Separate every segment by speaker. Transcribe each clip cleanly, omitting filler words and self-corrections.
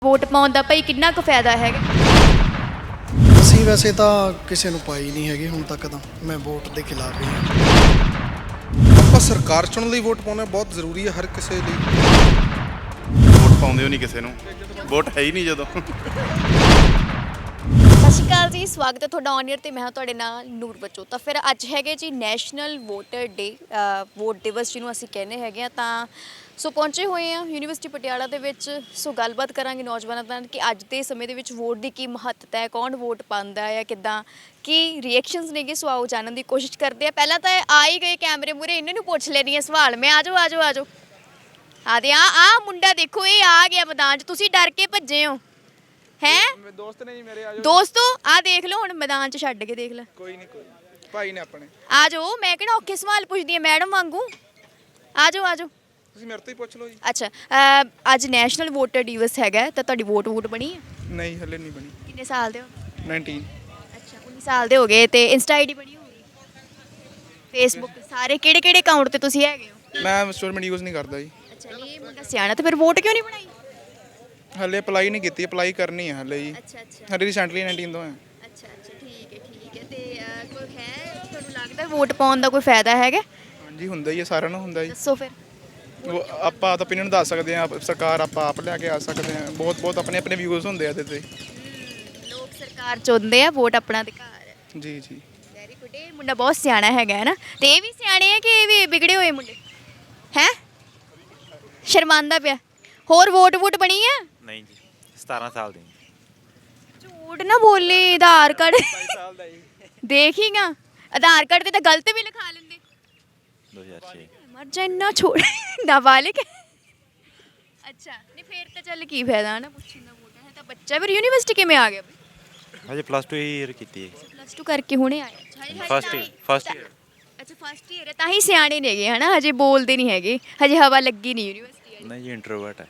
Speaker 1: Vote ਪਾਉਣ ਦਾ ਭਾਈ ਕਿੰਨਾ ਕੁ ਫਾਇਦਾ ਹੈਗਾ?
Speaker 2: ਅਸੀਂ ਵੈਸੇ ਤਾਂ ਕਿਸੇ ਨੂੰ ਪਾਈ ਨਹੀਂ ਹੈਗੀ ਹੁਣ ਤੱਕ ਤਾਂ। ਮੈਂ ਵੋਟ ਦੇ ਖਿਲਾਫ ਹੀ ਹਾਂ।
Speaker 3: ਆਪਾਂ ਸਰਕਾਰ ਚੁਣਨ ਲਈ ਵੋਟ ਪਾਉਣਾ ਬਹੁਤ ਜ਼ਰੂਰੀ ਹੈ ਹਰ ਕਿਸੇ ਲਈ।
Speaker 4: ਵੋਟ ਪਾਉਂਦੇ ਹੋ ਨਹੀਂ ਕਿਸੇ ਨੂੰ, ਵੋਟ ਹੈ ਹੀ ਨਹੀਂ ਜਦੋਂ।
Speaker 1: ਸਤਿ ਸ਼੍ਰੀ ਅਕਾਲ ਜੀ, ਸਵਾਗਤ ਹੈ ਤੁਹਾਡਾ ਔਨ ਏਅਰ ਤੇ ਮੈਂ ਹਾਂ ਤੁਹਾਡੇ ਨਾਲ ਨੂਰ ਬੱਚੋ। ਤਾਂ ਫਿਰ ਅੱਜ ਹੈਗੇ ਜੀ ਨੈਸ਼ਨਲ ਵੋਟਰ ਡੇ, ਵੋਟ ਦਿਵਸ ਜਿਹਨੂੰ ਅਸੀਂ ਕਹਿੰਦੇ ਹੈਗੇ ਆ। ਤਾਂ ਸੋ ਪਹੁੰਚੇ ਹੋਏ ਆ ਯੂਨੀਵਰਸਿਟੀ ਪਟਿਆਲਾ ਦੇ ਵਿੱਚ। ਸੋ ਗੱਲਬਾਤ ਕਰਾਂਗੇ ਨੌਜਵਾਨਾਂ ਨਾਲ ਕਿ ਅੱਜ ਦੇ ਸਮੇਂ ਦੇ ਵਿੱਚ ਵੋਟ ਦੀ ਕੀ ਮਹੱਤਤਾ ਹੈ, ਕੌਣ ਵੋਟ ਪਾਉਂਦਾ ਹੈ, ਕਿੱਦਾਂ ਕੀ ਰਿਐਕਸ਼ਨਸ ਨੇਗੇ। ਸੋ ਆਓ ਜਾਣਨ ਦੀ ਕੋਸ਼ਿਸ਼ ਕਰਦੇ ਆ। ਪਹਿਲਾਂ ਤਾਂ ਆ ਹੀ ਗਏ ਕੈਮਰੇ ਮੂਹਰੇ, ਇਹਨਾਂ ਨੂੰ ਪੁੱਛ ਲੈਣੀ ਹੈ ਸਵਾਲ ਮੈਂ। ਆਜੋ ਆਜੋ ਆਜੋ ਆਦੇ ਆ ਮੁੰਡਾ ਦੇਖੋ, ਇਹ ਆ ਗਿਆ ਮੈਦਾਨ 'ਚ, ਤੁਸੀਂ ਡਰ ਕੇ ਭੱਜੇ ਹੋ ਹੈ?
Speaker 3: ਦੋਸਤ ਨੇ ਜੀ ਮੇਰੇ। ਆਜੋ
Speaker 1: ਦੋਸਤੋ ਆ ਦੇਖ ਲਓ, ਹੁਣ ਮੈਦਾਨ 'ਚ ਛੱਡ ਕੇ ਦੇਖ ਲੈ।
Speaker 3: ਕੋਈ ਨਹੀਂ ਭਾਈ ਨੇ ਆਪਣੇ।
Speaker 1: ਆ ਜਾਓ, ਮੈਂ ਕਿਹੜਾ ਔਖੇ ਸਵਾਲ ਪੁੱਛਦੀ ਆ ਮੈਡਮ ਵਾਂਗੂ। ਆ ਜਾਓ ਆ ਜਾਓ।
Speaker 3: ਤੁਸੀਂ ਮੇਰੇ ਤੋਂ ਹੀ ਪੁੱਛ ਲਓ ਜੀ।
Speaker 1: ਅੱਛਾ, ਅੱਜ ਨੈਸ਼ਨਲ ਵੋਟਰ ਦਿਵਸ ਹੈਗਾ ਤਾਂ ਤੁਹਾਡੀ ਵੋਟ ਬਣੀ ਹੈ?
Speaker 3: ਨਹੀਂ ਹਲੇ ਨਹੀਂ ਬਣੀ।
Speaker 1: ਕਿੰਨੇ ਸਾਲ ਦੇ ਹੋ?
Speaker 3: 19।
Speaker 1: ਅੱਛਾ 19 ਸਾਲ ਦੇ ਹੋ ਗਏ। ਤੇ ਇੰਸਟਾ ਆਈਡੀ ਬਣੀ ਹੋਊਗੀ, ਫੇਸਬੁੱਕ ਸਾਰੇ ਕਿਹੜੇ ਅਕਾਊਂਟ ਤੇ ਤੁਸੀਂ ਹੈਗੇ ਹੋ?
Speaker 3: ਮੈਂ ਸੋਸ਼ਲ ਮੀਡੀਆ ਯੂਜ਼ ਨਹੀਂ ਕਰਦਾ ਜੀ।
Speaker 1: ਅੱਛਾ ਨਹੀਂ, ਇਹ ਮੁੰਡਾ ਸਿਆਣਾ ਤੇ ਫਿਰ ਵੋਟ ਕਿਉਂ ਨਹੀਂ ਬਣਾਈ?
Speaker 3: ਹਲੇ ਅਪਲਾਈ ਨਹੀਂ ਕੀਤੀ, ਅਪਲਾਈ ਕਰਨੀ ਹੈ ਹਲੇ ਜੀ।
Speaker 1: ਅੱਛਾ
Speaker 3: ਹਲੇ ਰੀਸੈਂਟਲੀ 19 ਤੋਂ ਹੈ।
Speaker 1: ਅੱਛਾ ਠੀਕ ਹੈ। ਤੇ ਕੋਈ ਹੈ ਤੁਹਾਨੂੰ ਲੱਗਦਾ ਵੋਟ ਪਾਉਣ ਦਾ ਕੋਈ ਫਾਇਦਾ ਹੈਗਾ?
Speaker 3: ਹਾਂਜੀ ਹੁੰਦਾ ਹੀ ਹੈ, ਸਾਰਿਆਂ ਨੂੰ ਹੁੰਦਾ ਜੀ।
Speaker 1: ਦੱਸੋ ਫਿਰ।
Speaker 3: ਆਪਾਂ ਤਾਂ opinion ਦੱਸ ਸਕਦੇ ਹਾਂ, ਸਰਕਾਰ ਆਪਾਂ ਆਪ ਲਿਆ ਕੇ ਆ ਸਕਦੇ ਹਾਂ। ਬਹੁਤ ਆਪਣੇ ਵਿਊਜ਼ ਹੁੰਦੇ ਆ ਇਹਦੇ ਤੇ।
Speaker 1: ਲੋਕ ਸਰਕਾਰ ਚੁਣਦੇ ਆ, ਵੋਟ ਆਪਣਾ ਅਧਿਕਾਰ ਹੈ।
Speaker 3: ਜੀ ਜੀ
Speaker 1: ਵੈਰੀ ਗੁੱਡ। ਇਹ ਮੁੰਡਾ ਬਹੁਤ ਸਿਆਣਾ ਹੈਗਾ ਹੈ ਨਾ। ਤੇ ਇਹ ਵੀ ਸਿਆਣੇ ਆ ਕਿ ਇਹ ਵੀ ਵਿਗੜੇ ਹੋਏ ਮੁੰਡੇ ਹੈ? ਸ਼ਰਮਾਂਦਾ ਪਿਆ। ਹੋਰ ਵੋਟ ਬਣੀ ਆ?
Speaker 4: ਨਹੀਂ ਜੀ, 17 ਸਾਲ ਦੀ।
Speaker 1: ਝੂਠ ਨਾ ਬੋਲੀ। ਆਧਾਰ ਕਾਰਡ ਦੇਖੀਗਾ, ਆਧਾਰ ਕਾਰਡ ਤੇ ਤਾਂ ਗਲਤ ਵੀ ਲਿਖਾ ਲੈਂਦੇ।
Speaker 4: 2006।
Speaker 1: ਮਰ ਜਾ, ਇੰਨਾ ਛੋੜ ਨਾਬਾਲਿਗ। ਅੱਛਾ ਨਹੀਂ ਫਿਰ ਤਾਂ ਚੱਲ ਕੀ ਫਾਇਦਾ ਨਾ ਪੁੱਛਣ ਦਾ। ਵੋਟ ਹੈ ਤਾਂ ਬੱਚਾ। ਫਿਰ ਯੂਨੀਵਰਸਿਟੀ ਕਿਵੇਂ ਆ ਗਿਆ?
Speaker 4: ਹਜੇ ਪਲੱਸ 2 ਹੀ ਕੀਤੀ ਹੈ।
Speaker 1: ਪਲੱਸ 2 ਕਰਕੇ ਹੁਣੇ ਆਇਆ?
Speaker 4: First year.
Speaker 1: ਅੱਛਾ ਫਸਟ ਈਅਰ ਹੈ, ਤਾਂ ਹੀ ਸਿਆਣੇ ਨੇਗੇ ਹਨਾ। ਹਜੇ ਬੋਲਦੇ ਨਹੀਂ ਹੈਗੇ, ਹਜੇ ਹਵਾ ਲੱਗੀ ਨਹੀਂ ਯੂਨੀਵਰਸਿਟੀ ਵਾਲੀ।
Speaker 4: ਨਹੀਂ ਜੀ, ਇੰਟਰੋਵਰਟ ਹੈ।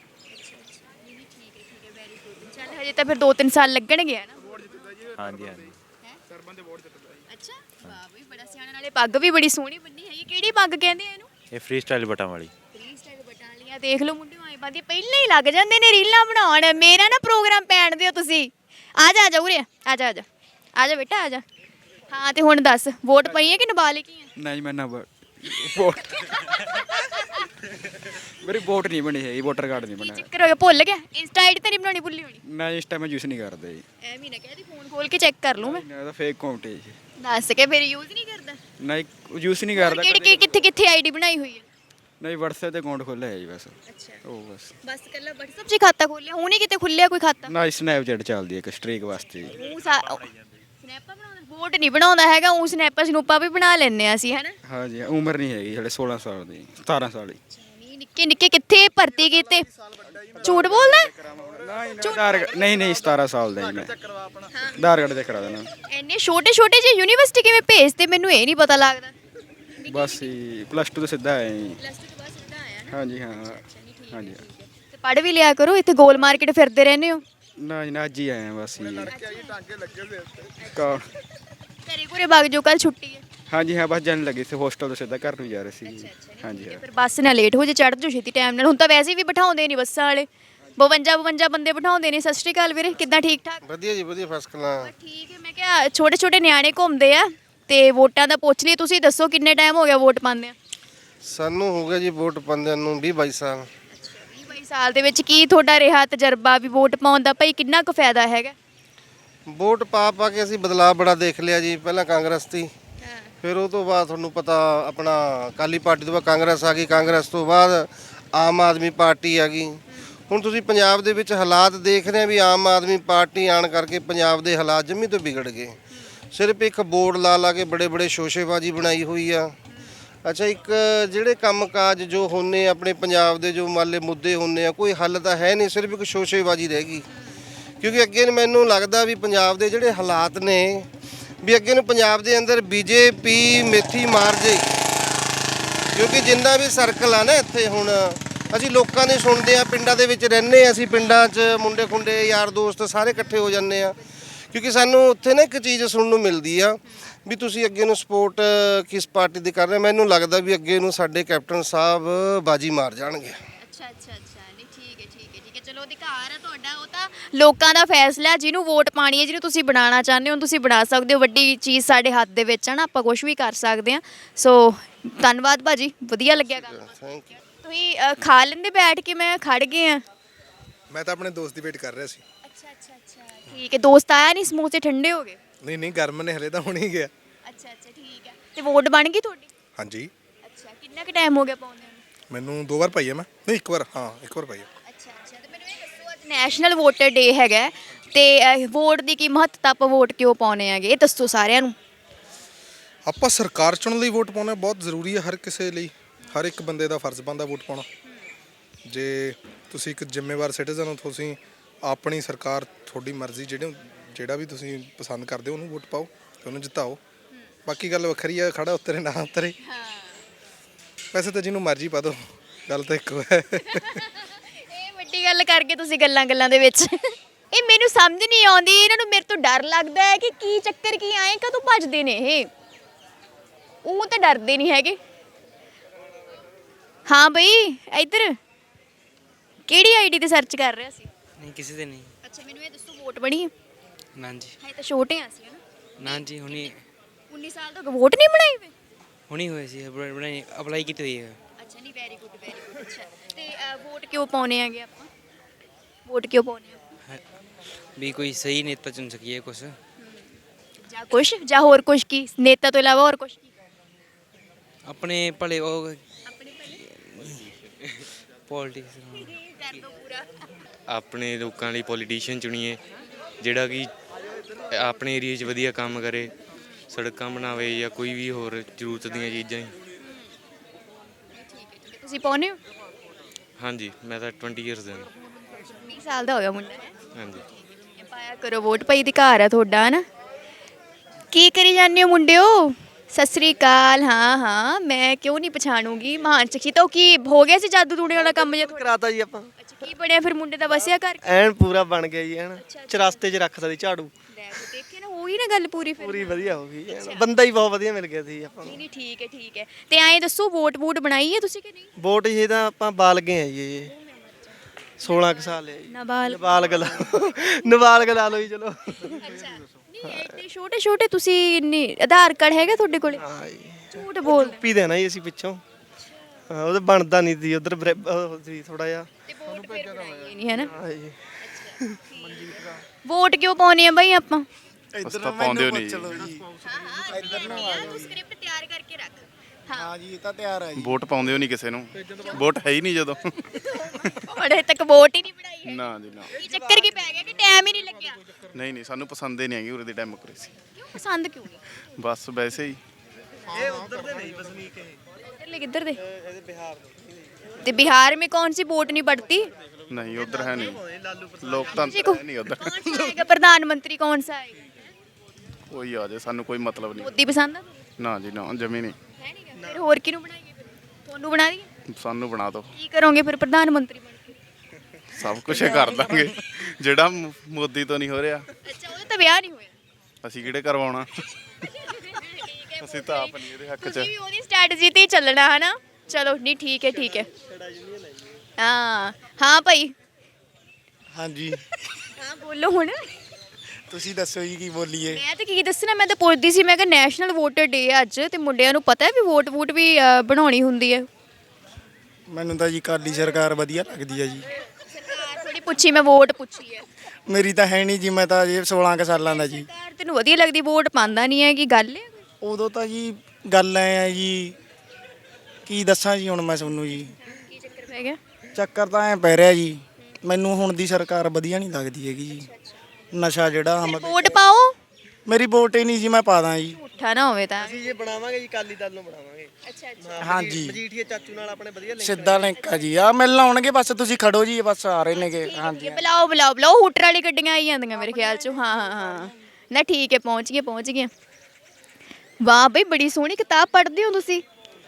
Speaker 1: ਚੱਲ ਹਜੇ ਤਾਂ ਫਿਰ 2-3 ਸਾਲ ਲੱਗਣਗੇ ਹਨਾ।
Speaker 4: ਹਾਂਜੀ ਹਾਂਜੀ।
Speaker 1: ਅੱਛਾ ਵਾਹ ਬਈ, ਬੜਾ ਸਿਆਣਾ। ਨਾਲੇ ਪੱਗ ਵੀ ਬੜੀ ਸੋਹਣੀ ਬੰਨੀ ਹੈ। ਇਹ ਕਿਹੜੀ ਪੱਗ ਕਹਿੰਦੇ ਆ ਇਹਨੂੰ?
Speaker 4: ਇਹ ਫ੍ਰੀ ਸਟਾਈਲ ਬਟਾਂ ਵਾਲੀ।
Speaker 1: ਫ੍ਰੀ ਸਟਾਈਲ ਬਟਾਲੀਆਂ। ਦੇਖ ਲਓ ਮੁੰਡੇ ਆਏ ਬੰਦੇ ਪਹਿਲਾਂ ਹੀ ਲੱਗ ਜਾਂਦੇ ਨੇ ਰੀਲਾਂ ਬਣਾਉਣ। ਮੇਰਾ ਨਾ ਪ੍ਰੋਗਰਾਮ ਪੈਣ ਦਿਓ ਤੁਸੀਂ। ਆ ਜਾ ਉਰੇ ਆ ਜਾ ਬੇਟਾ ਆ ਜਾ। ਹਾਂ ਤੇ ਹੁਣ ਦੱਸ, ਵੋਟ ਪਈ ਹੈ ਕਿ ਨਾਬਾਲਿਗ ਹੀ ਹੈ?
Speaker 5: ਨਹੀਂ ਮੈਂ ਨਾ ਵੋਟ ਮੇਰੀ ਵੋਟ ਨਹੀਂ ਬਣੀ ਹੈਗੀ, ਵੋਟਰ ਕਾਰਡ ਨਹੀਂ ਬਣਿਆ।
Speaker 1: ਚੱਕਰ ਹੋ ਗਿਆ, ਭੁੱਲ ਗਿਆ? ਇੰਸਟਾ ਆਈਡੀ ਤਾਂ ਨਹੀਂ ਬਣਾਉਣੀ, ਭੁੱਲੀ ਹੋਣੀ।
Speaker 5: ਮੈਂ ਇਸ ਟਾਈਮ ਯੂਜ਼ ਨਹੀਂ ਕਰਦਾ ਜੀ।
Speaker 1: ਐਵੇਂ ਨਾ ਕਹਿ ਦੀ, ਫੋਨ ਖੋਲ ਕੇ ਚੈੱਕ ਕਰ ਲੂੰ ਮੈਂ।
Speaker 5: ਨਾ ਇਹਦਾ ਫੇਕ ਅਕਾਊਂਟ ਹੈ ਜੀ।
Speaker 1: ਦੱਸ ਕੇ ਫਿਰ ਯੂਜ਼ ਨਹੀਂ ਕਰਦਾ?
Speaker 5: ਨਹੀਂ ਯੂਜ਼ ਨਹੀਂ ਕਰਦਾ।
Speaker 1: ਕਿੱਥੇ ਆਈਡੀ ਬਣਾਈ ਹੋਈ ਹੈ?
Speaker 5: ਨਹੀਂ WhatsApp ਤੇ ਅਕਾਊਂਟ ਖੋਲ੍ਹਿਆ ਹੈ ਜੀ ਬਸ।
Speaker 1: ਅੱਛਾ
Speaker 5: ਉਹ ਬਸ
Speaker 1: ਕੱਲਾ WhatsApp 'ਚ ਖਾਤਾ ਖੋਲਿਆ? ਹੁਣ ਹੀ ਕਿਤੇ ਖੁੱਲਿਆ ਕੋਈ ਖਾਤਾ?
Speaker 5: ਨਾ ਸਨੈਪਚੈਟ ਚੱਲਦੀ ਹੈ ਇੱਕ ਸਟ੍ਰੀਕ ਵਾਸਤੇ ਜੀ।
Speaker 1: ਸਨੈਪਾਂ ਬਣਾਉਂਦਾ? ਵੋਟ ਨਹੀਂ ਬਣਾਉਂਦਾ ਹੈਗਾ, ਉਹ ਸਨੈਪਾਂ ਵੀ ਬਣਾ ਲੈਂਦੇ ਆ ਅਸੀਂ ਹਨਾ।
Speaker 5: ਹਾਂਜੀ ਉਮਰ ਨਹੀਂ ਹੈਗੀ ਹਲੇ 16 ਸਾਲ ਦੀ, 17 ਸਾਲ ਦੀ।
Speaker 1: ਨਿੱਕੇ ਕਿੱਥੇ ਭਰਤੀ ਕੀਤੇ? ਝੂਠ ਬੋਲਦਾ?
Speaker 5: ਨਹੀਂ 17 ਸਾਲ ਦਾ ਜੀ ਮੈਂ। ਆਧਾਰ ਕਾਰਡ ਤੇ ਕਰਾ ਦੇਣਾ।
Speaker 1: ਇੰਨੇ ਛੋਟੇ ਜਿਹੇ ਯੂਨੀਵਰਸਿਟੀ ਕਿਵੇਂ ਭੇਜਦੇ, ਮੈਨੂੰ ਇਹ ਨਹੀਂ ਪਤਾ ਲੱਗਦਾ।
Speaker 5: ਬਸ ਜੀ ਪਲੱਸ 2 ਤੋਂ ਸਿੱਧਾ ਆਇਆ ਜੀ।
Speaker 1: ਪਲੱਸ 2 ਤੋਂ ਬਾਅਦ ਸਿੱਧਾ ਆਇਆ ਨਾ?
Speaker 5: ਹਾਂਜੀ ਹਾਂ ਹਾਂਜੀ।
Speaker 1: ਤੇ ਪੜ੍ਹ ਵੀ ਲਿਆ ਕਰੋ, ਇੱਥੇ ਗੋਲ ਮਾਰਕੀਟ ਫਿਰਦੇ ਰਹਿੰਦੇ ਹੋ।
Speaker 5: ਨਾ ਜੀ ਅੱਜ ਹੀ ਆਇਆ ਬਸ ਜੀ।
Speaker 1: ਘਰੇ ਘੁਰੇ ਵਗ ਜਾਓ, ਕੱਲ ਛੁੱਟੀ ਹੈ।
Speaker 5: ਹਾਂਜੀ ਹਾਂ ਬਸ ਜਾਣ ਲੱਗੇ ਸੀ, ਹੋਸਟਲ ਤੋਂ ਸਿੱਧਾ ਘਰ ਨੂੰ ਜਾ ਰਹੇ ਸੀ। ਹਾਂਜੀ ਹਾਂ।
Speaker 1: ਫਿਰ ਬੱਸ ਨਾ ਲੇਟ ਹੋ ਜੇ, ਚੜ੍ਹ ਜਾਓ ਛੇਤੀ ਟਾਈਮ ਨਾਲ। ਹੁਣ ਤਾਂ ਵੈਸੇ ਵੀ ਬਿਠਾਉਂਦੇ ਨਹੀਂ ਬੱਸਾਂ ਵਾਲੇ, 52 ਬੰਦੇ ਬਿਠਾਉਂਦੇ ਨੇ। ਸਤਿ ਸ਼੍ਰੀ ਅਕਾਲ ਵੀਰੇ, ਕਿੱਦਾਂ ਠੀਕ ਠਾਕ?
Speaker 6: ਵਧੀਆ ਜੀ ਵਧੀਆ, ਫਸਟ ਕਲਾਸ।
Speaker 1: ਠੀਕ ਹੈ। ਮੈਂ ਕਿਹਾ ਛੋਟੇ ਨਿਆਣੇ ਘੁੰਮਦੇ ਆ ਤੇ ਵੋਟਾਂ ਦਾ ਪੁੱਛ ਲਈ। ਤੁਸੀਂ ਦੱਸੋ ਕਿੰਨੇ ਟਾਈਮ ਹੋ ਗਿਆ ਵੋਟ ਪਾਉਂਦੇ ਆ?
Speaker 6: ਸਾਨੂੰ ਹੋ ਗਿਆ ਜੀ ਵੋਟ ਪਾਉਂਦਿਆਂ ਨੂੰ 20-22 ਸਾਲ।
Speaker 1: 20-22 ਸਾਲ ਦੇ ਵਿੱਚ ਕੀ ਤੁਹਾਡਾ ਰਿਹਾ ਤਜਰਬਾ ਵੀ ਵੋਟ ਪਾਉਣ ਦਾ? ਭਾਈ ਕਿੰਨਾ ਕੁ ਫਾਇਦਾ ਹੈਗਾ?
Speaker 6: ਵੋਟ ਪਾ ਕੇ ਅਸੀਂ ਬਦਲਾਅ ਬੜਾ ਦੇਖ ਲਿਆ ਜੀ। ਪਹਿਲਾਂ ਕਾਂਗਰਸ ਸੀ, ਫਿਰ ਉਹ ਤੋਂ ਬਾਅਦ ਤੁਹਾਨੂੰ ਪਤਾ ਆਪਣਾ ਅਕਾਲੀ ਪਾਰਟੀ ਤੋਂ ਬਾਅਦ ਕਾਂਗਰਸ ਆ ਗਈ, ਕਾਂਗਰਸ ਤੋਂ ਬਾਅਦ ਆਮ ਆਦਮੀ ਪਾਰਟੀ ਆ ਗਈ। ਹੁਣ ਤੁਸੀਂ ਪੰਜਾਬ ਦੇ ਵਿੱਚ ਹਾਲਾਤ ਦੇਖ ਰਹੇ ਆ ਵੀ ਆਮ ਆਦਮੀ ਪਾਰਟੀ ਆਣ ਕਰਕੇ ਪੰਜਾਬ ਦੇ ਹਾਲਾਤ ਜੰਮੀ ਤੋਂ ਵਿਗੜ ਗਏ। ਸਿਰਫ ਇੱਕ ਬੋਰਡ ਲਾ ਕੇ ਬੜੇ ਸ਼ੋਸ਼ੇਬਾਜ਼ੀ ਬਣਾਈ ਹੋਈ ਆ। ਅੱਛਾ ਇੱਕ ਜਿਹੜੇ ਕੰਮਕਾਜ ਜੋ ਹੁੰਨੇ ਆਪਣੇ ਪੰਜਾਬ ਦੇ ਜੋ ਮਾਲੇ ਮੁੱਦੇ ਹੁੰਨੇ ਆ, ਕੋਈ ਹੱਲ ਤਾਂ ਹੈ ਨਹੀਂ, ਸਿਰਫ ਇੱਕ ਸ਼ੋਸ਼ੇਬਾਜ਼ੀ ਰਹਿ ਗਈ। ਕਿਉਂਕਿ ਅੱਗੇ ਮੈਨੂੰ ਲੱਗਦਾ ਵੀ ਪੰਜਾਬ ਦੇ ਜਿਹੜੇ ਹਾਲਾਤ ਨੇ ਵੀ ਅੱਗੇ ਨੂੰ ਪੰਜਾਬ ਦੇ ਅੰਦਰ BJP ਮੇਥੀ ਮਾਰ ਜੇ। ਕਿਉਂਕਿ ਜਿੰਨਾ ਵੀ ਸਰਕਲ ਆ ਨਾ ਇੱਥੇ, ਹੁਣ ਅਸੀਂ ਲੋਕਾਂ ਦੇ ਸੁਣਦੇ ਆ, ਪਿੰਡਾਂ ਦੇ ਵਿੱਚ ਰਹਿੰਦੇ ਆ ਅਸੀਂ, ਪਿੰਡਾਂ 'ਚ ਮੁੰਡੇ ਖੁੰਡੇ ਯਾਰ ਦੋਸਤ ਸਾਰੇ ਇਕੱਠੇ ਹੋ ਜਾਂਦੇ ਆ। ਕਿਉਂਕਿ ਸਾਨੂੰ ਉੱਥੇ ਨਾ ਇੱਕ ਚੀਜ਼ ਸੁਣਨ ਨੂੰ ਮਿਲਦੀ ਆ ਵੀ ਤੁਸੀਂ ਅੱਗੇ ਨੂੰ ਸਪੋਰਟ ਕਿਸ ਪਾਰਟੀ ਦੀ ਕਰ ਰਹੇ। ਮੈਨੂੰ ਲੱਗਦਾ ਵੀ ਅੱਗੇ ਨੂੰ ਸਾਡੇ ਕੈਪਟਨ ਸਾਹਿਬ ਬਾਜੀ ਮਾਰ ਜਾਣਗੇ।
Speaker 1: ਅੱਛਾ ਨਹੀਂ ਠੀਕ ਹੈ। ਚਲੋ ਅਧਿਕਾਰ ਹੈ ਤੁਹਾਡਾ, ਉਹ ਤਾਂ ਲੋਕਾਂ ਦਾ ਫੈਸਲਾ ਹੈ। ਜਿਹਨੂੰ ਵੋਟ ਪਾਣੀ ਹੈ, ਜਿਹਨੂੰ ਤੁਸੀਂ ਬਣਾਉਣਾ ਚਾਹੁੰਦੇ ਹੋ ਤੁਸੀਂ ਬਣਾ ਸਕਦੇ ਹੋ। ਵੱਡੀ ਚੀਜ਼ ਸਾਡੇ ਹੱਥ ਦੇ ਵਿੱਚ ਹੈ ਨਾ, ਆਪਾਂ ਕੁਝ ਵੀ ਕਰ ਸਕਦੇ ਹਾਂ। ਸੋ ਧੰਨਵਾਦ ਭਾਜੀ, ਵਧੀਆ ਲੱਗਿਆ ਗੱਲ।
Speaker 6: Thank you.
Speaker 1: ਤੁਸੀਂ ਖਾ ਲੈਂਦੇ ਬੈਠ ਕੇ, ਮੈਂ ਖੜ ਗਏ ਆ।
Speaker 7: ਮੈਂ ਤਾਂ ਆਪਣੇ ਦੋਸਤ ਦੀ ਵੇਟ ਕਰ ਰਿਹਾ ਸੀ।
Speaker 1: ਅੱਛਾ ਠੀਕ ਹੈ। ਦੋਸਤ ਆਇਆ ਨਹੀਂ, ਸਮੋਸੇ ਠੰਡੇ ਹੋ ਗਏ?
Speaker 7: ਨਹੀਂ ਨਹੀਂ, ਗਰਮ ਨੇ, ਹਲੇ ਤਾਂ ਹੁਣੇ ਹੀ ਗਿਆ।
Speaker 1: ਅੱਛਾ ਠੀਕ ਹੈ। ਤੇ ਵੋਟ ਬਣ ਗਈ ਤੁਹਾਡੀ?
Speaker 7: ਹਾਂਜੀ,
Speaker 1: ਅੱਛਾ, ਕਿੰਨਾ ਕੁ ਟਾਈਮ ਹੋ ਗਿਆ ਪਾਉਂਦੇ ਨੂੰ?
Speaker 7: ਮੈਨੂੰ 2 ਵਾਰ ਪਾਈ ਹੈ ਮੈਂ, ਨਹੀਂ 1 ਵਾਰ, ਹਾਂ 1 ਵਾਰ ਪਾਈ ਹੈ।
Speaker 1: ਅੱਛਾ ਤੇ ਮੈਨੂੰ ਇਹ ਦੱਸੋ, ਅੱਜ ਨੈਸ਼ਨਲ ਵੋਟਰ ਡੇ ਹੈਗਾ ਤੇ ਵੋਟ ਦੀ ਕੀ ਮਹੱਤਤਾ, ਆਪਾਂ ਵੋਟ ਕਿਉਂ ਪਾਉਣੇ ਹੈਗੇ, ਇਹ ਦੱਸੋ ਸਾਰਿਆਂ ਨੂੰ।
Speaker 7: ਆਪਾਂ ਸਰਕਾਰ ਚੁਣਨ ਲਈ ਵੋਟ ਪਾਉਣਾ ਬਹੁਤ ਜ਼ਰੂਰੀ ਹੈ, ਹਰ ਕਿਸੇ ਲਈ, ਹਰ ਇੱਕ ਬੰਦੇ ਦਾ ਫਰਜ਼ ਬਣਦਾ ਵੋਟ ਪਾਉਣਾ। ਜੇ ਤੁਸੀਂ ਇੱਕ ਜ਼ਿੰਮੇਵਾਰ ਸਿਟੀਜ਼ਨ ਹੋ, ਤੁਸੀਂ ਆਪਣੀ ਸਰਕਾਰ, ਤੁਹਾਡੀ ਮਰਜ਼ੀ, ਜਿਹੜਾ ਵੀ ਤੁਸੀਂ ਪਸੰਦ ਕਰਦੇ ਹੋ ਉਹਨੂੰ ਵੋਟ ਪਾਓ ਤੇ ਉਹਨੂੰ ਜਿਤਾਓ। ਬਾਕੀ ਗੱਲ ਵੱਖਰੀ ਹੈ, ਖੜਾ ਉਤਰੇ ਨਾ ਉਤਰੇ। ਵੈਸੇ ਤਾਂ ਜਿਹਨੂੰ ਮਰਜ਼ੀ ਪਾ ਦਿਓ, ਗੱਲ ਤਾਂ ਇੱਕੋ ਹੈ।
Speaker 1: ਇਹ ਵੱਡੀ ਗੱਲ ਕਰਕੇ ਤੁਸੀਂ ਗੱਲਾਂ ਦੇ ਵਿੱਚ ਇਹ ਮੈਨੂੰ ਸਮਝ ਨਹੀਂ ਆਉਂਦੀ, ਇਹਨਾਂ ਨੂੰ ਮੇਰੇ ਤੋਂ ਡਰ ਲੱਗਦਾ ਹੈ ਕਿ ਕੀ ਚੱਕਰ, ਕੀ ਆਏ, ਕਦੋਂ ਭੱਜਦੇ ਨੇ ਇਹ। ਉਹ ਤਾਂ ਡਰਦੇ ਨਹੀਂ ਹੈਗੇ। ਹਾਂ ਬਈ, ਇੱਧਰ ਕਿਹੜੀ ਆਈਡੀ ਤੇ ਸਰਚ ਕਰ ਰਿਹਾ ਸੀ?
Speaker 8: ਨਹੀਂ ਕਿਸੇ ਦੇ ਨਹੀਂ।
Speaker 1: ਅੱਛਾ, ਮੈਨੂੰ ਇਹ ਦੱਸੋ, ਵੋਟ ਬਣੀ ਹੈ?
Speaker 8: ਨਾ ਜੀ,
Speaker 1: ਹਾਏ ਤਾਂ ਛੋਟੇ ਆ ਸੀ, ਹਨਾ?
Speaker 8: ਨਾ ਜੀ, ਹੁਣੀ
Speaker 1: 19 ਸਾਲ ਤੱਕ ਵੋਟ ਨਹੀਂ ਬਣਾਈ ਵੇ?
Speaker 8: ਹੁਣੀ ਹੋਏ ਸੀ, ਬਣਾਈ, ਅਪਲਾਈ ਕੀਤੀ ਹੋਈ ਹੈ।
Speaker 1: ਅੱਛਾ, ਨਹੀਂ, ਵੈਰੀ ਗੁੱਡ। ਅੱਛਾ, ਤੇ ਵੋਟ ਕਿਉਂ ਪਾਉਣੇ ਹੈਗੇ ਆਪਾਂ? ਵੋਟ ਕਿਉਂ ਪਾਉਣੇ ਆ?
Speaker 8: ਵੀ ਕੋਈ ਸਹੀ ਨੇਤਾ ਚੁਣ ਸਕੀਏ ਕੁਛ।
Speaker 1: ਜਾਂ ਕੁਛ, ਜਾਂ ਹੋਰ ਕੁਛ ਕੀ, ਨੇਤਾ ਤੋਂ ਇਲਾਵਾ ਹੋਰ ਕੁਛ ਕੀ?
Speaker 8: ਆਪਣੇ ਭਲੇ ਉਹ
Speaker 1: ਆਪਣੇ
Speaker 8: ਪੋਲਿਟਿਕਸ।
Speaker 1: ਕਰ ਦੋ ਪੂਰਾ।
Speaker 9: ਆਪਣੇ ਲੋਕਾਂ ਲਈ ਪੋਲੀਟੀਸ਼ੀਅਨ ਚੁਣੀਏ ਜਿਹੜਾ ਕਿ ਆਪਣੇ ਏਰੀਆ 'ਚ ਵਧੀਆ ਕੰਮ ਕਰੇ, ਸੜਕਾਂ ਬਣਾਵੇ ਜਾਂ ਕੋਈ ਵੀ ਹੋਰ ਜ਼ਰੂਰਤ ਦੀਆਂ ਚੀਜ਼ਾਂ ਹੀ।
Speaker 1: ਤੁਸੀਂ ਪਾਉਣੇ ਹੋ?
Speaker 9: ਹਾਂਜੀ, ਮੈਂ ਤਾਂ 20 ਇਅਰਸ ਦਾ।
Speaker 1: 20 ਸਾਲ ਦਾ ਹੋਇਆ ਮੁੰਡਾ ਹੈ।
Speaker 9: ਹਾਂਜੀ,
Speaker 1: ਇਹ ਪਾਇਆ ਕਰੋ ਵੋਟ, ਭਾਈ ਅਧਿਕਾਰ ਹੈ ਤੁਹਾਡਾ, ਹਨਾ? ਕੀ ਕਰੀ ਜਾਂਦੇ ਹੋ ਮੁੰਡਿਓ? ਸਤਿ ਸ੍ਰੀ ਅਕਾਲ। ਹਾਂ ਮੈਂ ਕਿਉਂ ਨਹੀਂ ਪਛਾਣੂਗੀ, ਮਹਾਨ ਸ਼ਖਸੀਅਤ। ਉਹ ਕੀ ਹੋ ਗਿਆ ਸੀ ਜਾਦੂ ਟੂਣੇ ਵਾਲਾ ਕੰਮ ਜੇ?
Speaker 10: ਕਰਾਤਾ ਜੀ ਆਪਾਂ।
Speaker 1: ਅੱਛਾ, ਕੀ ਬਣਿਆ ਫਿਰ ਮੁੰਡੇ ਦਾ, ਵਸਿਆ ਘਰ?
Speaker 10: ਐਨ ਪੂਰਾ ਬਣ ਗਿਆ ਜੀ, ਐਨ ਚਰਸਤੇ 'ਚ ਰੱਖਦਾ ਸੀ ਝਾੜੂ।
Speaker 1: ਦੇਖੇ ਨਾ, ਹੋਈ ਨਾ ਗੱਲ ਪੂਰੀ ਫਿਰ।
Speaker 10: ਪੂਰੀ ਵਧੀਆ ਹੋ ਗਈ, ਬੰਦਾ ਹੀ ਬਹੁਤ ਵਧੀਆ ਮਿਲ ਗਿਆ ਸੀ ਆਪਾਂ ਨੂੰ।
Speaker 1: ਨਹੀਂ ਠੀਕ ਹੈ। ਤੇ ਐਂ ਦੱਸੋ, ਵੋਟ ਬਣਾਈ ਹੈ ਤੁਸੀਂ ਕਿ ਨਹੀਂ?
Speaker 10: ਵੋਟ ਜੀ ਤਾਂ ਆਪਾਂ ਬਾਲ ਗਏ ਆ ਜੀ, 16 ਕੁ ਸਾਲ ਹੈ ਜੀ। ਨਾਬਾਲਗ ਲਾ ਲਓ ਜੀ, ਚਲੋ।
Speaker 1: ਅੱਛਾ, ਨਹੀਂ ਐਡੇ ਛੋਟੇ ਤੁਸੀਂ, ਨਹੀਂ ਆਧਾਰ ਕਾਰਡ ਹੈਗਾ ਤੁਹਾਡੇ ਕੋਲੇ?
Speaker 10: ਹਾਂ ਜੀ,
Speaker 1: ਝੂਠ ਬੋਲ।
Speaker 10: ਪੀ ਦੇਣਾ ਜੀ ਅਸੀਂ ਪਿੱਛੋਂ। ਹਾਂ, ਉਹਦਾ ਬਣਦਾ ਨਹੀਂ ਸੀ ਉਧਰ ਸੀ ਥੋੜਾ ਜਿਹਾ।
Speaker 1: ਤੇ ਵੋਟ ਫਿਰ ਬਣਾਈ ਨਹੀਂ, ਹੈ ਨਾ?
Speaker 10: ਹਾਂ ਜੀ।
Speaker 1: ਵੋਟ ਕਿਉਂ ਪਾਉਣੀ ਆ ਬਈ ਆਪਾਂ?
Speaker 4: ਅਸੀਂ ਤਾਂ ਪਾਉਂਦੇ ਹੋ ਨਹੀਂ ਜੀ।
Speaker 1: ਹਾਂ ਇੱਧਰ ਨੂੰ ਆ ਜਾਓ, ਸਕ੍ਰਿਪਟ ਤਿਆਰ ਕਰਕੇ ਰੱਖ।
Speaker 2: ਹਾਂ ਜੀ, ਇਹ ਤਾਂ ਤਿਆਰ ਹੈ ਜੀ।
Speaker 4: ਵੋਟ ਪਾਉਂਦੇ ਹੋ ਨਹੀਂ ਕਿਸੇ ਨੂੰ, ਵੋਟ ਹੈ ਹੀ ਨਹੀਂ ਜਦੋਂ।
Speaker 1: ਬੜੇ ਤੱਕ ਵੋਟ ਹੀ ਨਹੀਂ ਬਣਾਈ ਹੈ।
Speaker 4: ਨਾ ਜੀ ਨਾ।
Speaker 1: ਕੀ ਚੱਕਰ ਕੀ ਪੈ ਗਿਆ ਕਿ ਟਾਈਮ ਹੀ ਨਹੀਂ ਲੱਗਿਆ?
Speaker 4: ਨਹੀਂ ਸਾਨੂੰ ਪਸੰਦ ਹੀ ਨਹੀਂ ਹੈਗੀ ਉਰੇ ਦੀ ਡੈਮੋਕ੍ਰੇਸੀ।
Speaker 1: ਕਿਉਂ ਪਸੰਦ ਕਿਉਂ ਨਹੀਂ?
Speaker 4: ਬਸ ਵੈਸੇ ਹੀ।
Speaker 10: ਇਹ ਉਧਰ ਦੇ ਨਹੀਂ ਵਸਨੀਕ ਇਹ।
Speaker 1: किधर दे?
Speaker 10: ਇਹਦੇ ਬਿਹਾਰ
Speaker 1: तो बिहार में कौन सी वोट नहीं पड़ती?
Speaker 4: नहीं उधर है नहीं, लोकतंत्र है नहीं उधर।
Speaker 1: कौन सा आएगा प्रधानमंत्री, कौन सा आएगा?
Speaker 4: कोई आ जाए, सानू कोई मतलब नहीं।
Speaker 1: मोदी पसंद है?
Speaker 4: ना जी ना, जमी नहीं।
Speaker 1: है नहीं क्या? फिर और किहनू बनाएंगे? फिर ਤੁਹਾਨੂੰ ਬਣਾ ਦਈਏ?
Speaker 4: सानू बना दो,
Speaker 1: ਕੀ ਕਰੋਗੇ ਫਿਰ ਪ੍ਰਧਾਨਮੰਤਰੀ ਬਣ ਕੇ?
Speaker 4: सब कुछ कर देंगे ਜਿਹੜਾ ਮੋਦੀ ਤੋਂ ਨਹੀਂ ਹੋ ਰਿਹਾ।
Speaker 1: ਅੱਛਾ, ਉਹਦਾ ਤਾਂ ਵਿਆਹ ਨਹੀਂ ਹੋਇਆ।
Speaker 4: ਅਸੀਂ ਕਿਹੜੇ ਕਰਵਾਉਣਾ,
Speaker 1: ਠੀਕ ਹੈ,
Speaker 4: ਅਸੀਂ ਤਾਂ ਆਪ ਨਹੀਂ ਇਹਦੇ ਹੱਕ 'ਚ।
Speaker 1: ਤੁਸੀਂ ਵੀ ਉਹਦੀ ਸਟ੍ਰੈਟਜੀ ਤੇ ਹੀ ਚੱਲਣਾ ਹੈ ਨਾ? ਚਲੋ ਨਹੀਂ, ਠੀਕ ਹੈ। ਹਾਂ ਭਾਈ।
Speaker 2: ਹਾਂਜੀ,
Speaker 1: ਹਾਂ ਬੋਲੋ ਹੁਣ।
Speaker 2: ਤੁਸੀਂ ਦੱਸੋ ਜੀ ਕੀ ਬੋਲੀਏ?
Speaker 1: ਮੈਂ ਤਾਂ ਕੀ ਦੱਸਣਾ, ਮੈਂ ਤਾਂ ਪੁੱਛਦੀ ਸੀ, ਮੈਂ ਕਿਹਾ ਨੈਸ਼ਨਲ ਵੋਟਰ ਡੇ ਅੱਜ ਤੇ ਮੁੰਡਿਆਂ ਨੂੰ ਪਤਾ ਹੈ ਵੀ ਵੋਟ ਵੀ ਬਣਾਉਣੀ ਹੁੰਦੀ ਹੈ।
Speaker 2: ਮੈਨੂੰ ਤਾਂ ਜੀ ਕਾਲੀ ਸਰਕਾਰ ਵਧੀਆ ਲੱਗਦੀ ਹੈ ਜੀ।
Speaker 1: ਸਰਕਾਰ ਥੋੜੀ ਪੁੱਛੀ, ਮੈਂ ਵੋਟ ਪੁੱਛੀ ਹੈ।
Speaker 2: ਮੇਰੀ ਤਾਂ ਹੈ ਨਹੀਂ ਜੀ, ਮੈਂ ਤਾਂ ਜੀ 16 ਕੁ ਸਾਲਾਂ ਦਾ ਜੀ।
Speaker 1: ਸਰਕਾਰ ਤੈਨੂੰ ਵਧੀਆ ਲੱਗਦੀ, ਵੋਟ ਪਾਉਂਦਾ ਨਹੀਂ ਹੈ, ਕੀ ਗੱਲ ਹੈ?
Speaker 2: ਉਦੋਂ ਤਾਂ ਜੀ ਗੱਲ ਐ ਆ ਜੀ, ਕੀ ਦੱਸਾਂ ਜੀ ਹੁਣ ਮੈਂ ਤੁਹਾਨੂੰ ਜੀ।
Speaker 1: ਕੀ ਚੱਕਰ ਪੈ ਗਿਆ?
Speaker 2: ਚੱਕਰ ਤਾਂ ਐ ਪੈ ਰਿਹਾ ਜੀ, ਮੈਨੂੰ ਹੁਣ ਦੀ ਸਰਕਾਰ ਵਧੀਆ ਨਹੀਂ ਲੱਗਦੀ ਹੈਗੀ ਜੀ। ਨਸ਼ਾ ਜਿਹੜਾ
Speaker 1: ਵੋਟ ਪਾਓ।
Speaker 2: ਮੇਰੀ ਵੋਟ ਹੀ ਨਹੀਂ ਜੀ, ਮੈਂ ਪਾ ਦਾਂ ਜੀ।
Speaker 1: ਝੂਠਾ ਨਾ ਹੋਵੇ ਤਾਂ।
Speaker 10: ਅਸੀਂ ਜੇ ਬਣਾਵਾਂਗੇ ਜੀ ਅਕਾਲੀ ਦਲ ਨੂੰ ਬਣਾਵਾਂਗੇ।
Speaker 1: ਅੱਛਾ।
Speaker 2: ਹਾਂਜੀ,
Speaker 10: ਮਜੀਠੀਏ ਚਾਚੂ ਨਾਲ ਆਪਣੇ ਵਧੀਆ ਲਿੰਕ
Speaker 2: ਸਿੱਧਾ ਲਿੰਕ ਆ ਜੀ। ਆ ਮਿਲਣ ਆਉਣਗੇ, ਬਸ ਤੁਸੀਂ ਖੜੋ ਜੀ, ਬਸ ਆ ਰਹੇ ਨੇਗੇ। ਹਾਂਜੀ,
Speaker 1: ਬੁਲਾਓ ਹੂਟਰ ਵਾਲੀ ਗੱਡੀਆਂ ਆਈ ਜਾਂਦੀਆਂ ਮੇਰੇ ਖਿਆਲ ਚ। ਹਾਂ ਨਾ, ਠੀਕ ਹੈ, ਪਹੁੰਚ ਗਏ। ਵਾਹ ਬਈ, ਬੜੀ ਸੋਹਣੀ ਕਿਤਾਬ ਪੜ੍ਹਦੇ ਹੋ ਤੁਸੀਂ।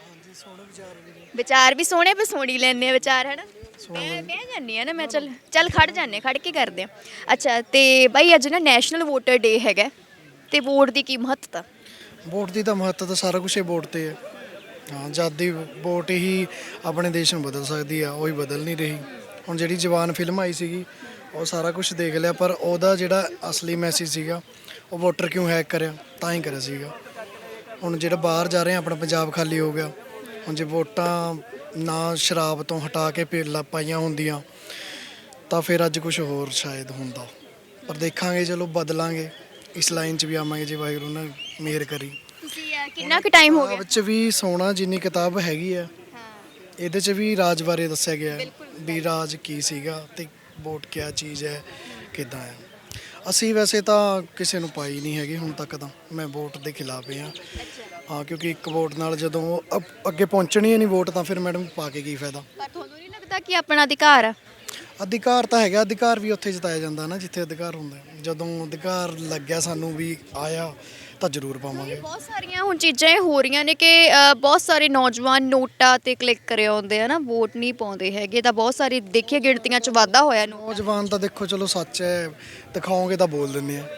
Speaker 1: ਵਿਚਾਰ ਵੀ ਸੋਹਣੇ, ਪਰ ਸੁਣੀ ਲੈਂਦੇ ਆ ਵਿਚਾਰ, ਹੈ ਨਾ? ਮੈਂ ਜਾਂਦੀ ਆ ਨਾ, ਮੈਂ ਚੱਲ ਖੜ ਜਾਂਦੇ, ਖੜ ਕੇ ਕਰਦੇ ਆ। ਅੱਛਾ, ਤੇ ਬਾਈ ਅੱਜ ਨਾ ਨੈਸ਼ਨਲ ਵੋਟਰ ਡੇ ਹੈਗਾ, ਤੇ ਵੋਟ ਦੀ ਕੀ ਮਹੱਤਤਾ?
Speaker 2: ਵੋਟ ਦੀ ਤਾਂ ਮਹੱਤਤਾ ਤਾਂ ਸਾਰਾ ਕੁਝ ਹੀ ਵੋਟ ਤੇ ਹੈ। ਹਾਂ, ਜਦ ਦੀ ਵੋਟ ਹੀ ਆਪਣੇ ਦੇਸ਼ ਨੂੰ ਬਦਲ ਸਕਦੀ ਆ, ਉਹ ਹੀ ਬਦਲ ਨਹੀਂ ਰਹੀ। ਹੁਣ ਜਿਹੜੀ ਜਵਾਨ ਫਿਲਮ ਆਈ ਸੀਗੀ ਉਹ ਸਾਰਾ ਕੁਝ ਦੇਖ ਲਿਆ, ਪਰ ਉਹਦਾ ਜਿਹੜਾ ਅਸਲੀ ਮੈਸੇਜ ਸੀਗਾ ਉਹ ਵੋਟਰ ਕਿਉਂ ਹੈਕ ਕਰਿਆ, ਤਾਂ ਹੀ ਕਰਿਆ ਸੀਗਾ। ਹੁਣ ਜਿਹੜਾ ਬਾਹਰ ਜਾ ਰਹੇ ਆ, ਆਪਣਾ ਪੰਜਾਬ ਖਾਲੀ ਹੋ ਗਿਆ। ਹੁਣ ਜੇ ਵੋਟਾਂ ਨਾ ਸ਼ਰਾਬ ਤੋਂ ਹਟਾ ਕੇ ਪੇਲਾ ਪਾਈਆਂ ਹੁੰਦੀਆਂ ਤਾਂ ਫਿਰ ਅੱਜ ਕੁਝ ਹੋਰ ਸ਼ਾਇਦ ਹੁੰਦਾ, ਪਰ ਦੇਖਾਂਗੇ, ਚਲੋ ਬਦਲਾਂਗੇ, ਇਸ ਲਾਈਨ 'ਚ ਵੀ ਆਵਾਂਗੇ ਜੇ ਵਾਹਿਗੁਰੂ ਨੇ ਮਿਹਰ ਕਰੀ।
Speaker 1: ਤੁਸੀਂ ਕਿੰਨਾ ਕੁ ਟਾਈਮ ਹੋ ਗਿਆ?
Speaker 2: ਵਿੱਚ ਵੀ ਸੋਨਾ ਜਿੰਨੀ ਕਿਤਾਬ ਹੈਗੀ ਆ, ਇਹਦੇ 'ਚ ਵੀ ਰਾਜ ਬਾਰੇ ਦੱਸਿਆ ਗਿਆ ਹੈ ਵੀ ਰਾਜ ਕੀ ਸੀਗਾ ਤੇ ਵੋਟ ਕਿਆ ਚੀਜ਼ ਹੈ, ਕਿੱਦਾਂ ਹੈ। ਅਸੀਂ ਵੈਸੇ ਤਾਂ ਕਿਸੇ ਨੂੰ ਪਾਈ ਨਹੀਂ ਹੈਗੀ ਹੁਣ ਤੱਕ, ਤਾਂ ਮੈਂ ਵੋਟ ਦੇ ਖਿਲਾਫ ਹਾਂ। ਹਾਂ, ਕਿਉਂਕਿ ਇੱਕ ਵੋਟ ਨਾਲ ਜਦੋਂ ਅੱਗੇ ਪਹੁੰਚਣੀ ਹੀ ਨਹੀਂ ਵੋਟ, ਤਾਂ ਫਿਰ ਮੈਡਮ ਪਾ ਕੇ ਕੀ ਫਾਇਦਾ।
Speaker 1: ਪਰ ਤੁਹਾਨੂੰ ਨਹੀਂ ਲੱਗਦਾ ਕਿ ਆਪਣਾ ਅਧਿਕਾਰ ਆ?
Speaker 2: ਅਧਿਕਾਰ ਤਾਂ ਹੈਗਾ, ਅਧਿਕਾਰ ਵੀ ਉੱਥੇ ਜਤਾਇਆ ਜਾਂਦਾ ਨਾ ਜਿੱਥੇ ਅਧਿਕਾਰ ਹੁੰਦਾ। ਜਦੋਂ ਅਧਿਕਾਰ ਲੱਗਿਆ ਸਾਨੂੰ ਵੀ ਆਇਆ ਤਾਂ ਜ਼ਰੂਰ ਪਾਵਾਂਗੇ।
Speaker 1: ਬਹੁਤ ਸਾਰੀਆਂ ਹੁਣ ਚੀਜ਼ਾਂ ਇਹ ਹੋ ਰਹੀਆਂ ਨੇ ਕਿ ਬਹੁਤ ਸਾਰੇ ਨੌਜਵਾਨ ਨੋਟਾਂ ਤੇ ਕਲਿੱਕ ਕਰੇ ਆਉਂਦੇ ਆ ਨਾ, ਵੋਟ ਨਹੀਂ ਪਾਉਂਦੇ ਹੈਗੇ। ਤਾਂ ਬਹੁਤ ਸਾਰੀ ਦੇਖੀਏ ਗਿਣਤੀਆਂ 'ਚ ਵਾਧਾ ਹੋਇਆ
Speaker 2: ਨੌਜਵਾਨ ਤਾਂ ਦੇਖੋ ਚਲੋ ਸੱਚ ਹੈ, ਦਿਖਾਓਗੇ ਤਾਂ ਬੋਲ ਦਿੰਦੇ ਆ।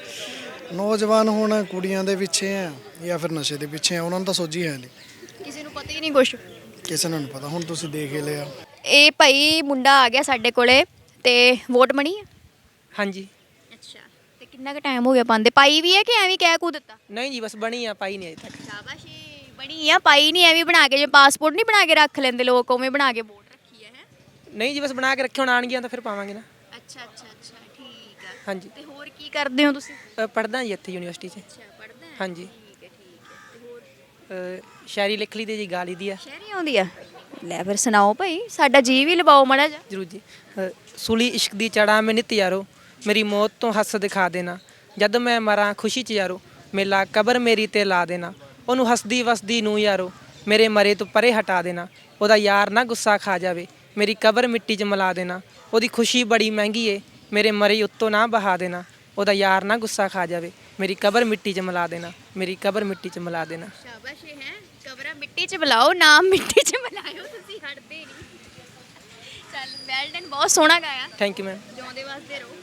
Speaker 2: ਨੌਜਵਾਨ ਹੁਣ ਕੁੜੀਆਂ ਦੇ ਪਿੱਛੇ ਆ ਜਾਂ ਫਿਰ ਨਸ਼ੇ ਦੇ ਪਿੱਛੇ ਆ, ਉਹਨਾਂ ਨੂੰ ਤਾਂ ਸੋਝੀ ਹੈ ਨਹੀਂ,
Speaker 1: ਕਿਸੇ ਨੂੰ ਪਤਾ ਹੀ ਨਹੀਂ ਕੁਛ।
Speaker 2: ਕਿਸੇ ਨੂੰ ਨਹੀਂ ਪਤਾ। ਹੁਣ ਤੁਸੀਂ ਦੇਖ ਹੀ ਲਿਆ।
Speaker 1: ਇਹ ਭਾਈ ਮੁੰਡਾ ਆ ਗਿਆ ਸਾਡੇ ਕੋਲੇ ਤੇ ਵੋਟ ਬਣੀ ਆ?
Speaker 10: ਹਾਂਜੀ।
Speaker 1: ਅੱਛਾ, ਤੇ ਕਿੰਨਾ ਕੁ ਟਾਈਮ ਹੋ ਗਿਆ ਪਾਉਂਦੇ? ਪਾਈ ਵੀ ਹੈ ਕਿ ਐਵੇਂ ਕਹਿ ਕੂ ਦਿੱਤਾ?
Speaker 10: ਨਹੀਂ ਜੀ, ਬਸ ਬਣੀ ਆ, ਪਾਈ ਨਹੀਂ ਅਜੇ ਤੱਕ।
Speaker 1: ਸ਼ਾਬਾਸ਼ੀ, ਬਣੀ ਆ, ਪਾਈ ਨਹੀਂ ਐਵੇਂ ਬਣਾ ਕੇ, ਜੇ ਪਾਸਪੋਰਟ ਨਹੀਂ ਬਣਾ ਕੇ ਰੱਖ ਲੈਂਦੇ ਲੋਕ, ਉਵੇਂ ਬਣਾ ਕੇ ਵੋਟ ਰੱਖੀ ਹੈ।
Speaker 10: ਨਹੀਂ ਜੀ, ਬਸ ਬਣਾ ਕੇ ਰੱਖੇ, ਹੁਣ ਆਣਗੀਆਂ ਤਾਂ ਫਿਰ ਪਾਵਾਂਗੇ ਨਾ।
Speaker 1: ਅੱਛਾ ਅੱਛਾ ਅੱਛਾ, ਠੀਕ ਆ।
Speaker 10: ਹਾਂਜੀ।
Speaker 1: ਤੇ ਹੋਰ ਕੀ ਕਰਦੇ ਹੋ ਤੁਸੀਂ?
Speaker 10: ਪੜ੍ਹਦਾ ਜੀ ਇੱਥੇ ਯੂਨੀਵਰਸਿਟੀ 'ਚ।
Speaker 1: ਅੱਛਾ, ਪੜ੍ਹਦਾ ਹੈ?
Speaker 10: ਹਾਂਜੀ।
Speaker 1: ਠੀਕ ਹੈ ਠੀਕ ਹੈ। ਤੇ ਹੋਰ
Speaker 10: ਸ਼ਾਇਰੀ ਲਿਖ ਲਈ ਦੀ ਜੀ, ਗਾ ਲਈ ਦੀ ਆ।
Speaker 1: ਸ਼ਹਿਰੀ ਆਉਂਦੀ ਆ? ਲੈ ਫਿਰ ਸੁਣਾਓ ਭਾਈ, ਸਾਡਾ ਜੀ ਵੀ ਲਵਾਓ ਮਾੜਾ ਜਿਹਾ।
Speaker 10: ਜ਼ਰੂਰ ਜੀ। ਸੁਲੀ ਇਸ਼ਕ ਦੀ ਚੜਾ ਮੈਂ ਨਿਤ ਯਾਰੋ, ਮੇਰੀ ਮੌਤ ਤੋਂ ਹੱਸ ਦਿਖਾ ਦੇਣਾ। ਜਦ ਮੈਂ ਮਰਾਂ ਖੁਸ਼ੀ 'ਚ ਯਾਰੋ, ਮੇਲਾ ਕਬਰ ਮੇਰੀ ਤੇ ਲਾ ਦੇਣਾ। ਉਹਨੂੰ ਹੱਸਦੀ ਵਸਦੀ ਨੂੰ ਯਾਰੋ, ਮੇਰੇ ਮਰੇ ਤੋਂ ਪਰੇ ਹਟਾ ਦੇਣਾ। ਉਹਦਾ ਯਾਰ ਨਾ ਗੁੱਸਾ ਖਾ ਜਾਵੇ, ਮੇਰੀ ਕਬਰ ਮਿੱਟੀ 'ਚ ਮਿਲਾ ਦੇਣਾ। ਉਹਦੀ ਖੁਸ਼ੀ ਬੜੀ ਮਹਿੰਗੀ ਏ, ਮੇਰੇ ਮਰੇ ਉੱਤੋਂ ਨਾ ਬਹਾ ਦੇਣਾ। ਉਹਦਾ ਯਾਰ ਨਾ ਗੁੱਸਾ ਖਾ ਜਾਵੇ, ਮੇਰੀ ਕਬਰ ਮਿੱਟੀ 'ਚ ਮਿਲਾ ਦੇਣਾ। ਮੇਰੀ ਕਬਰ ਮਿੱਟੀ 'ਚ ਮਿਲਾ ਦੇਣਾ।
Speaker 1: ਸ਼ਾਬਾਸ਼ ਹੈ, ਕਬਰਾਂ ਮਿੱਟੀ 'ਚ ਬੁਲਾਓ, ਨਾਮ ਮਿੱਟੀ 'ਚ ਮਿਲਾਇਓ, ਤੁਸੀਂ ਹਟਦੇ ਨਹੀਂ। ਚੱਲ ਵੈਲ ਡਨ, ਬਹੁਤ ਸੋਹਣਾ ਗਾਇਆ।
Speaker 10: Thank you ma'am.
Speaker 1: ਜਿਉਂਦੇ ਵਾਸਤੇ ਰਹੋ।